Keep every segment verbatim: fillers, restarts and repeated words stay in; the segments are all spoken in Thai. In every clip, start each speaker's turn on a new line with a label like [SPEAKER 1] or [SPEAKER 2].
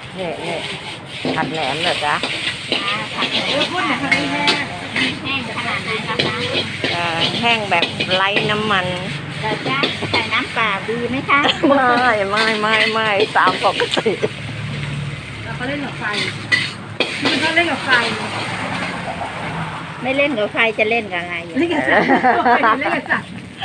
[SPEAKER 1] นี่นี่ผัดแหนมเหรอจ๊ะ
[SPEAKER 2] ผัดแหนมพูดหน่อยค่ะแห้งแห้งขนาดไหนคะ
[SPEAKER 1] เอ่อแห้งแบบไร้น้ำมัน
[SPEAKER 2] เราจะใส่น้ำเปล่าดีไหมคะ
[SPEAKER 1] ไม่ไม่ไม่ไม่ตามปกติ
[SPEAKER 2] เราเขาเล่นกับไฟมันเขาเล่นกับไฟไม่เล่นกับไฟจะเล่นกับอะไรเล่นกับสัตว์เล่นกับสัตว์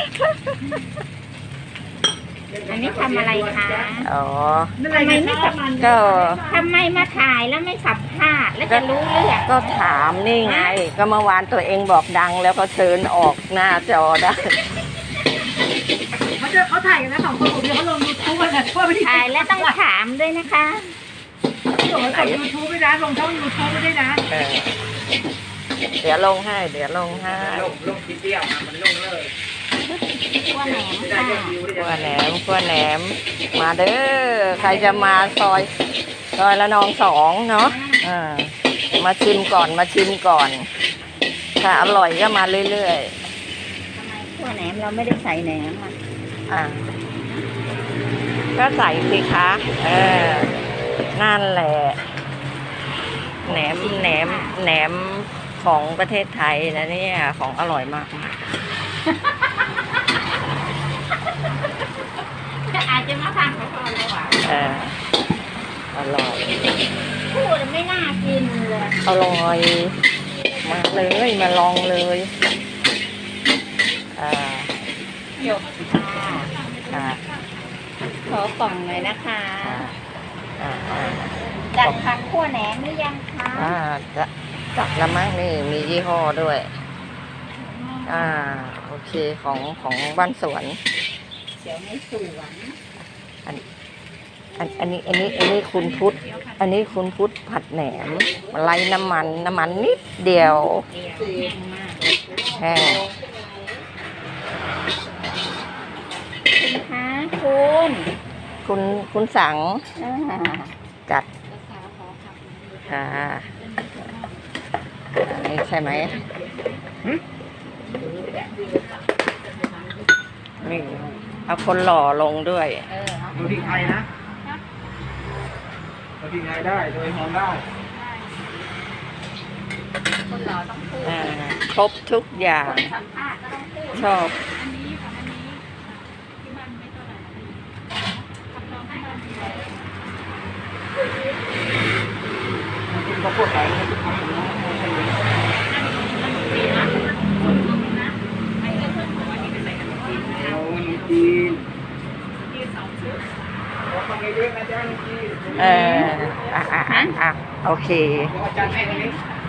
[SPEAKER 2] อันนี้ทำอะไรคะ
[SPEAKER 1] อ๋อ
[SPEAKER 2] ทำไมไม่สัม
[SPEAKER 1] ก็
[SPEAKER 2] ทำไมมาถ่ายแล้วไม่สัมภาษณ์แล้วจะรู้เรื่อง
[SPEAKER 1] ก็ถามนี่ไง ก็เมื่อวานตัวเองบอกดังแล้วก็เชิญออกหน้าจอได้
[SPEAKER 3] เขาจะเขาถ่ายกันนะสองคนผมเดียวเขาลงยูทูบกันนะว่าไม่ได้
[SPEAKER 2] ถ่ายแล้วต้องถามด้วยนะคะ
[SPEAKER 3] ส่งมาจากยูทูบไม่ได้ลงช่องยูทูบไม่ได้นะ
[SPEAKER 1] เออเดี๋ยวลงให้ เดี๋ยวลงให้
[SPEAKER 4] ลงลงทีเดียวนะมันลงเลย
[SPEAKER 2] ขั้วแหนม
[SPEAKER 4] ไม่ได้
[SPEAKER 2] ค่ะ
[SPEAKER 4] ยอดวิวได้
[SPEAKER 1] ขั้วแหนมขั้วแหนม มาเด้อ ใครจะมาซอย ซอยละนองสองเนาะอ่ามาชิมก่อน มาชิมก่อน ถ้าอร่อยก็มาเรื่อย
[SPEAKER 2] ทำไมขั้วแหนมเราไม่ได้ใส่แหนมอ่ะ
[SPEAKER 1] ๆ อ่า ก็ใส่สิคะ เออ นั่นแหละ แหนม แหนม แหนมของประเทศไทยนะเนี่ย ของอร่อยมากมาก
[SPEAKER 2] อาจจะมาทานเขาก่อนเลยว่ะ
[SPEAKER 1] เออ อร่อย
[SPEAKER 2] พูดไม่น่ากินเลย
[SPEAKER 1] อร่อย มาเลยมาลองเลย อ่า
[SPEAKER 2] หยกค่ะ
[SPEAKER 1] อ่า
[SPEAKER 2] ขอกล่องหน่อยนะคะ
[SPEAKER 1] อ่าอ่า
[SPEAKER 2] จัดผักขั้วแหนมหรือยังคะ
[SPEAKER 1] อ่าจะจับละมั้งนี่มียี่ห้อด้วย อ่า โอเคของของบ้านสวน
[SPEAKER 2] เดี๋ยวไม่สวน
[SPEAKER 1] อันอันนี้อันนี้อันนี้คุณพุทธอันนี้คุณพุทธผัดแหนมไร้น้ำมันน้ำมันนิดเดียว
[SPEAKER 2] เดียวแห้งมาก
[SPEAKER 1] แห้ง
[SPEAKER 2] คุณคะคุณ
[SPEAKER 1] คุณคุณสั่ง
[SPEAKER 2] อ่า
[SPEAKER 1] จัดค่ะอันนี้ใช่ไหมนี่เอาคนหล่อลงด้วย
[SPEAKER 2] เออเอา
[SPEAKER 4] ดูที่ไทยนะดูที่ไทยได้โดยหอมได้
[SPEAKER 2] คนหล่อต้องพูด
[SPEAKER 1] อ่าครบทุกอย่าง
[SPEAKER 2] สัมภาษณ์ก็ต้องพูด
[SPEAKER 1] ชอบ
[SPEAKER 4] เขาพูดไปเขาพูดไปเอาจีนเราทำเยอะนะจ๊ะจีน
[SPEAKER 1] เอออ่ะอ่ะอ่ะอ่ะโอเค
[SPEAKER 4] อาจารย์ให้ตรงนี้